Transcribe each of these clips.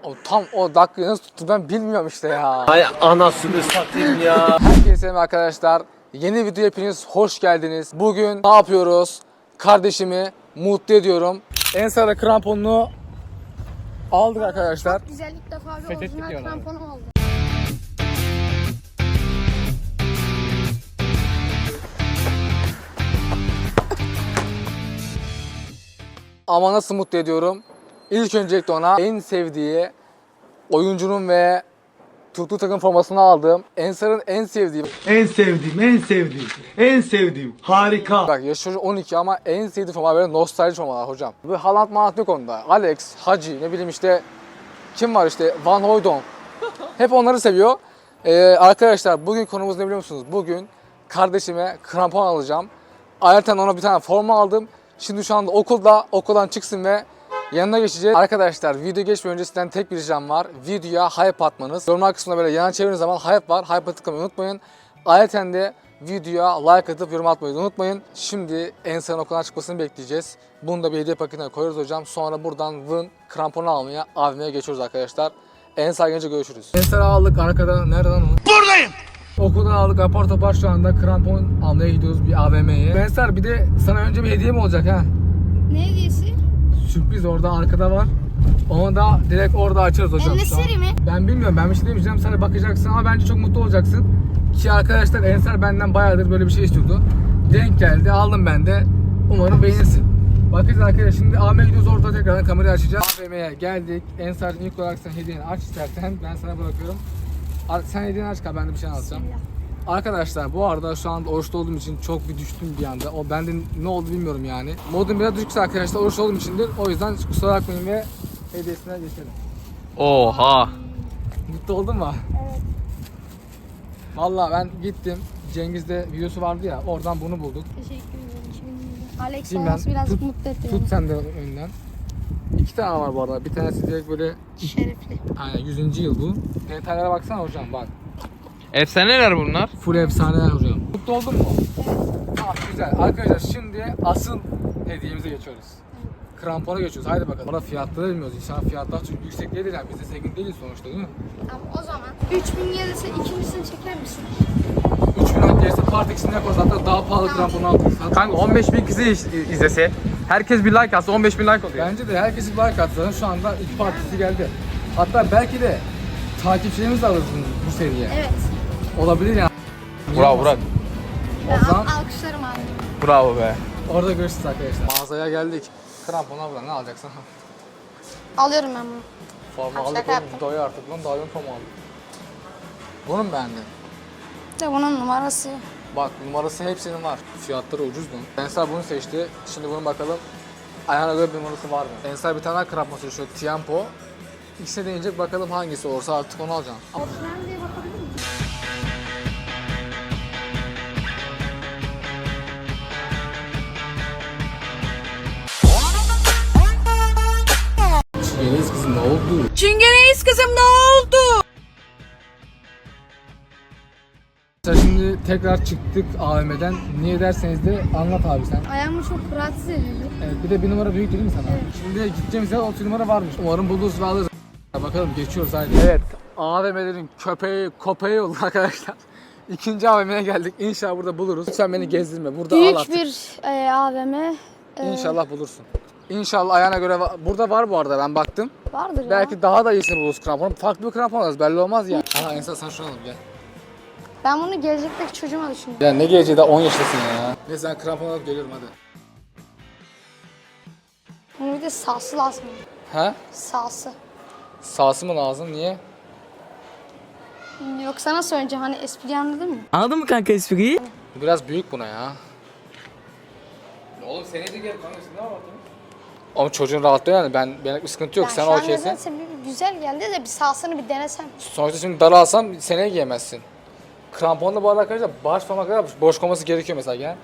Tam o dakikayı nasıl tuttu ben bilmiyorum işte ya. Hay anasını satayım ya. Herkese selam arkadaşlar. Yeni video hepiniz hoş geldiniz. Bugün ne yapıyoruz? Kardeşimi mutlu ediyorum. Ensar'a kramponunu aldık arkadaşlar. Çok güzel, ilk defa bir Fethettik orijinal diyorlar. kramponu aldım. Ama nasıl mutlu ediyorum? İlk öncelikle ona en sevdiği oyuncunun ve tuttuğu takım formasını aldım. Ensar'ın en sevdiği. En sevdiğim. Harika. Bak yaşı çocuk 12 ama en sevdiği forma böyle nostalji formalar hocam. Bu Haaland Malat yok onda. Alex, Hacı ne bileyim işte kim var işte Van Hooijdonk. Hep onları seviyor. Arkadaşlar bugün konumuz ne biliyor musunuz? Bugün kardeşime krampon alacağım. Ayrıca ona bir tane forma aldım. Şimdi şu anda okuldan çıksın ve yanına geçeceğiz. Arkadaşlar video geçmeden önce sizden tek bir ricam var. Videoya hype atmanız. Yorumlar kısmında böyle yana çevirdiğiniz zaman hype var. Hype'a tıklamayı unutmayın. Ayrıca de videoya like atıp yorum atmayı unutmayın. Şimdi Ensar'ın okuldan çıkmasını bekleyeceğiz. Bunu da bir hediye paketine koyuyoruz hocam. Sonra buradan Vın kramponu almaya, AVM'ye geçiyoruz arkadaşlar. Ensar gelince görüşürüz. Ensar'ı aldık arkada. Nereden o? Buradayım. Okuldan aldık apar topar şu anda krampon almaya gidiyoruz bir AVM'ye. Ensar bir de sana önce bir hediye mi olacak ha? Ne hediyesi? Sürpriz orada arkada var. Onu da direkt orada açarız hocam. Elneseri mi? Ben bilmiyorum, ben bir şey demeyeceğim, sana bakacaksın ama bence çok mutlu olacaksın. Ki arkadaşlar Ensar benden bayağıdır böyle bir şey istiyordu. Denk geldi, aldım ben de. Umarım beğenirsin. Bakacağız arkadaşlar, şimdi AVM'ye gidiyoruz, orada tekrardan kamerayı açacağız. AVM'ye geldik. Ensar'cığım ilk olarak sen hediyeni aç istersen, ben sana bırakıyorum. Sen hediyeni aç, ben de bir şey anlatacağım. Arkadaşlar bu arada şu anda oruçlu olduğum için çok bir düştüm bir anda. O bende ne oldu bilmiyorum yani. Modum biraz düşükse arkadaşlar oruçlu olduğum içindir. O yüzden kusura bakmayın ve hediyesine geçelim. Oha. Mutlu oldun mu? Evet. Vallahi ben gittim. Cengiz'de videosu vardı ya, oradan bunu bulduk. Teşekkür ederim. Alex Şimdi olması ben birazcık mutlu etti beni. Tut sen de önden. İki tane var bu arada. Bir tanesi direkt böyle Şerefli. aynen 100. yıl bu. Detaylara baksana hocam bak. Efsaneler bunlar. Full efsaneler hocam. Mutlu oldun mu? Tamam güzel. Arkadaşlar şimdi asıl hediyemize geçiyoruz. Krampona geçiyoruz. Haydi bakalım. Orada fiyatları bilmiyoruz. İnşallah fiyatlar çok yüksek değil yani. Biz de zengin değiliz sonuçta değil mi? Tamam o zaman 3000 gelirse ikincisini çeker misin? 3000 lira gelirse part ikisini yaparız. Hatta daha pahalı kramponu alırız. Kanka 15.000 kişi izlese, herkes bir like atsa 15.000 like oluyor. Bence de herkesi bir like atsa şu anda ilk partisi geldi. Hatta belki de takipçilerimiz de alırız bu seriye. Evet. Olabilir yani. Bravo Burak. O zaman Alkışlarım abi. Bravo be. orada görüşürüz arkadaşlar. Mağazaya geldik. Krampon abla ne alacaksın? Alıyorum ben bunu. Forma Şaka aldık yaptım. oğlum. Doya artık lan. Daha yön forma aldık. Bunu mu beğendin? De bunun numarası. Bak numarası hepsinin var. Fiyatları ucuz mu? Ensar bunu seçti. Şimdi bunu bakalım. Ayağına göre bir numarası var mı? Ensar bir tane daha krampon seçiyor. Tiempo. İkisine deneyecek bakalım hangisi olursa artık onu alacağım. Orijinal diye bakabilir miyim? Çiğneyiz kızım ne oldu? Çingeneyiz kızım ne oldu? Şimdi tekrar çıktık AVM'den. Niye derseniz de anlat abi sen. Ayağımı çok rahatsız ediyordu. Evet, bir de bir numara büyük değil mi sana? Evet. Şimdi gideceğimiz yer 30 numara varmış. Umarım buluruz ve alırız. Bakalım geçiyoruz haydi. Evet, AVM'lerin köpeği oldu arkadaşlar. İkinci AVM'ye geldik. İnşallah burada buluruz. Lütfen beni gezdirme. Burada al Büyük artık. bir AVM. İnşallah bulursun. İnşallah ayağına göre burada var bu arada ben baktım. Vardır ya. Belki daha da iyisini buluruz kramponu. Farklı bir krampon alırız belli olmaz ya. Aha Ensar sen şunu alalım gel. Ben bunu gelecekteki çocuğuma düşündüm. Ya ne geleceği daha 10 yaşındasın ya. Neyse ben krampon alıp geliyorum hadi. Bunun bir de sağsı lazım. He? Sağsı. Sağsı mı lazım? Niye? Yoksa nasıl önce hani espri anladın mı? Anladın mı kanka espriyi? Biraz büyük buna ya. Oğlum seneye de gel kanka, ne var? Ama çocuğun rahatlıyor yani. Benlik bir sıkıntı yok. Sen şu an okeysin. nedense bir güzel geldi de bir sağsını bir denesem. Sonuçta şimdi dar alsam seneye giyemezsin. Kramponla bu arada arkadaşlar baş parmak kadar boş koyması gerekiyor mesela gel.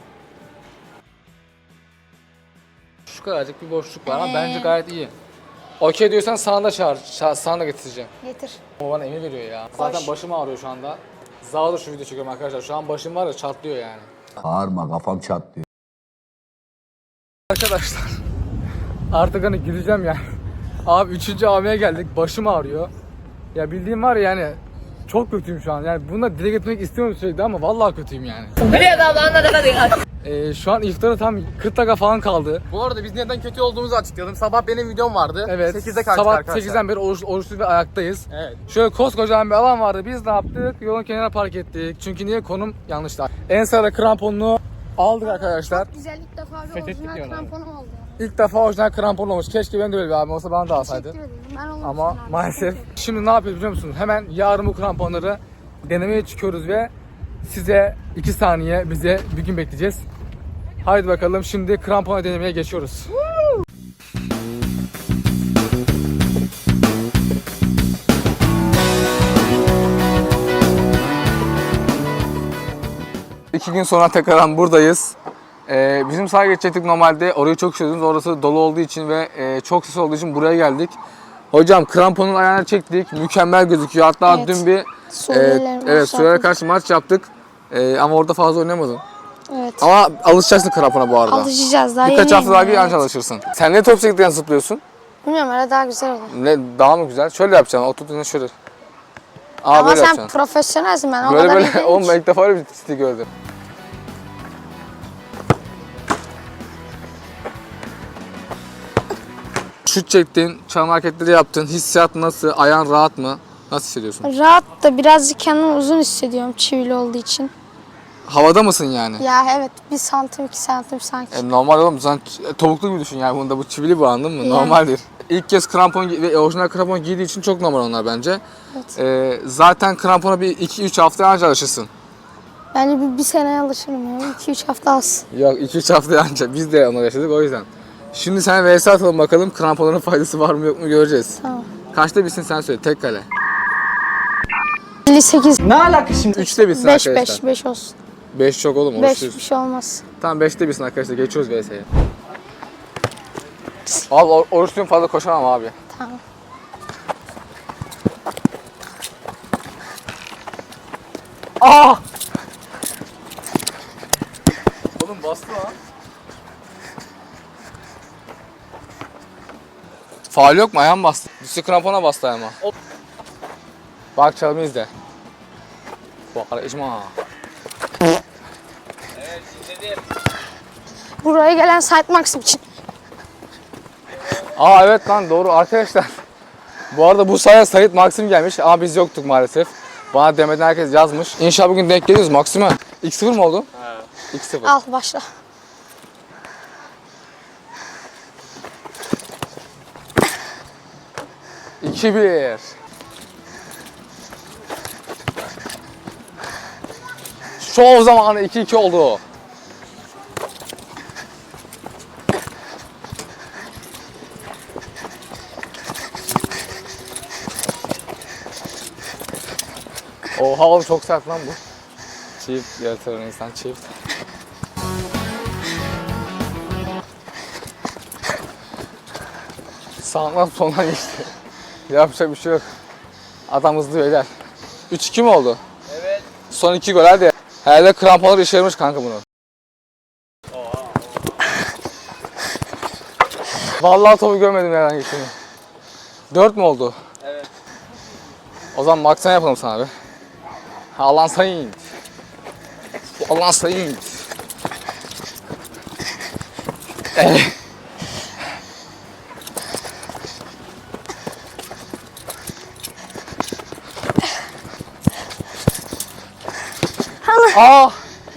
Şu kadarcık bir boşluk var ama bence gayet iyi. Okey diyorsan sana da çağır. Sana da getireceğim. Getir. O bana emir veriyor ya. Zaten başım ağrıyor şu anda. Zağdır şu video çekiyorum arkadaşlar. Şu an başım var ya çatlıyor yani. Bağırma kafam çatlıyor. Arkadaşlar artık hani gideceğim ya. Abi 3. AVM'ye geldik. Başım ağrıyor. Ya bildiğim var ya yani çok kötüyüm şu an. Yani bunu da dile getirmek istiyorum sürekli ama vallahi kötüyüm yani. Şu an iftara tam 40 dakika falan kaldı. Bu arada biz neden kötü olduğumuzu açıklayalım. Sabah benim videom vardı. Evet. 8'de kaçtı Sabah arkadaşlar. 8'den beri oruçlu ve ayaktayız. Evet. Şöyle koskocaman bir alan vardı. Biz ne yaptık? Yolun kenarına park ettik. Çünkü niye? Konum yanlıştı. En sırada kramponunu aldık arkadaşlar. Güzel ilk defa bir Fethettik orijinal diyorlar. kramponum oldu. İlk defa orijinal krampon olmuş. Keşke benim de böyle bir abim olsa bana da alsaydı. Teşekkür ederim. Ben olmuştum Ama abi. maalesef. Şimdi ne yapıyoruz biliyor musunuz? Hemen yarın bu kramponları denemeye çıkıyoruz ve size 2 saniye bize bir gün bekleyeceğiz. Haydi bakalım şimdi krampona denemeye geçiyoruz. İki gün sonra tekrardan buradayız. Bizim sağa geçecektik normalde. Orayı çok istiyordunuz. Orası dolu olduğu için ve çok ses olduğu için buraya geldik. Hocam kramponun ayağını çektik. Mükemmel gözüküyor. Hatta Evet. dün bir Suriye'ye karşı maç yaptık. Ama orada fazla oynayamadın. Evet. Ama alışacaksın krampona bu arada. Alışacağız daha Birkaç yeni hafta daha yeni, bir evet. anca alışırsın. Sen ne top sektikten zıplıyorsun? Bilmiyorum öyle daha güzel olur. Ne daha mı güzel? Şöyle yapacaksın. Oturduğunda şöyle. Ama Böyle sen yapacaksın. profesyonelsin, ben o Böyle kadar iyi böyle. değilim Oğlum ki. ben ilk defa öyle bir stil gördüm. Şut çektin, çalım hareketleri yaptın. Hissiyat nasıl? Ayağın rahat mı? Nasıl hissediyorsun? Rahat da birazcık kendimi uzun hissediyorum çivili olduğu için. Havada mısın yani? Ya evet, 1 santim 2 santim sanki. Normal oğlum. Sen topuklu gibi düşün yani. Bunda bu çivili bu, anladın mı? Yani. Normaldir. İlk kez krampon ve orijinal krampon giydiği için çok normal onlar bence. Evet. Zaten krampona bir 2-3 hafta anca alışırsın. Bence bir seneye alışırım ya. 2-3 hafta az. Yok 2-3 hafta anca. Biz de onu yaşadık o yüzden. Şimdi sen vs atalım bakalım. Kramponların faydası var mı yok mu göreceğiz. Tamam. Kaçta bitsin sen söyle. Tek kale. 58. 3'te bitsin 5 arkadaşlar. 5 5 olsun. 5 çok oğlum. 5 Oruçluyuz. bir şey olmaz. Tamam 5'te bitsin arkadaşlar. Geçiyoruz vs'ye. Abi oruçluyum, fazla koşamam abi. Tamam. Aa! Oğlum bastı lan. Faul yok mu? Ayağım bastı. Düştü, krampona bastı ayağıma. Bak çalımı izle. Bak icma. Buraya gelen Sait Maxim için. Aa evet lan, doğru arkadaşlar. Bu arada bu sahaya Sait Maxim gelmiş ama biz yoktuk maalesef. Bana demeden herkes yazmış. İnşallah bugün denk geliyoruz Maxim'e. 2-0 mı oldu? Evet. 2-0. Al başla. İki bir. Şov zamanı 2-2 oldu. Oha oğlum, çok sert lan bu. Çift yaratır insan, çift. Sağından soldan geçti. Yapacak bir şey yok. Adam hızlı beyler. 3-2 mi oldu? Evet. Son 2 gol hadi. Herhalde kramponlar işe yaramış kanka bunu. Vallahi topu görmedim herhangi birini. 4 mü oldu? Evet. O zaman maksana yapalım sana bir. Allah'ın sayın. Allah'ın sayın. Aa!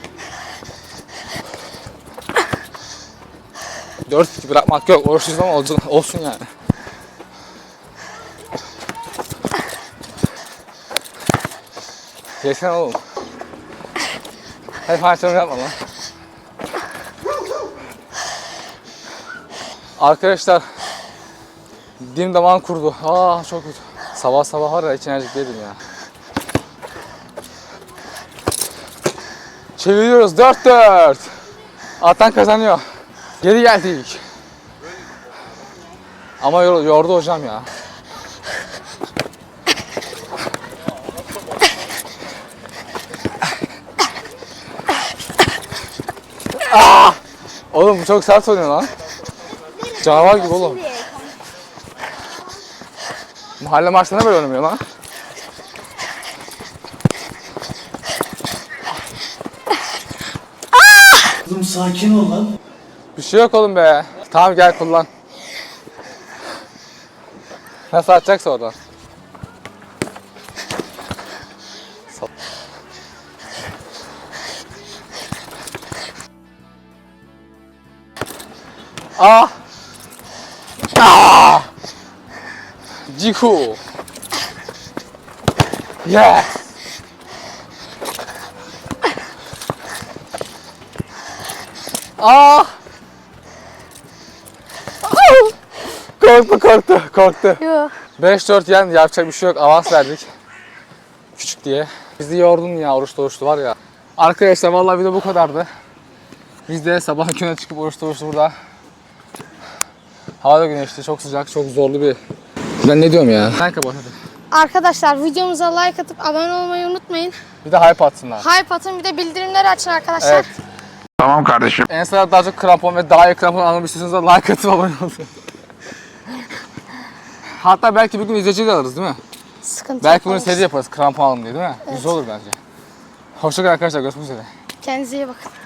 4 bırakmak yok. Oruçsuz ama olsun yani. Yesene oğlum. Hadi parçalarını yapma lan. Arkadaşlar, dilim damağım kurdu. Aa çok kötü. Sabah sabah var ya, hiç enerjik değilim ya. Çeviriyoruz 4-4. Atan kazanıyor. Geri geldik. Ama yordu hocam ya. Aa! Oğlum bu çok sert oynuyor lan. Canavar gibi oğlum. Mahalle maçlarına böyle oynamıyor lan. Kızım sakin ol lan. Bir şey yok oğlum be. Tamam gel kullan. Nasıl atacaksa oradan. Ah! Ah! Ciku! Yes! Ah! Korktu. Yok. 5-4 yen yapacak bir şey yok. Avans verdik. Küçük diye. Bizi yordun ya oruçlu var ya. Arkadaşlar vallahi video bu kadardı. Biz de sabah güne çıkıp oruçlu burada. Hava da güneşli, çok sıcak, çok zorlu bir... Ben ne diyorum ya? Sen kapat hadi. Arkadaşlar videomuza like atıp abone olmayı unutmayın. Bir de hype atsınlar. Hype atın, bir de bildirimleri açın arkadaşlar. Evet. Tamam kardeşim. En sıra daha çok krampon ve daha iyi krampon almak istiyorsanız da like atıp abone olun. Hatta belki bir gün izleyici de alırız değil mi? Sıkıntı Belki bunu yok. seri yaparız krampon alın diye değil mi? Güzel olur bence. Hoşçakalın arkadaşlar, görüşmek üzere. Kendinize iyi bakın.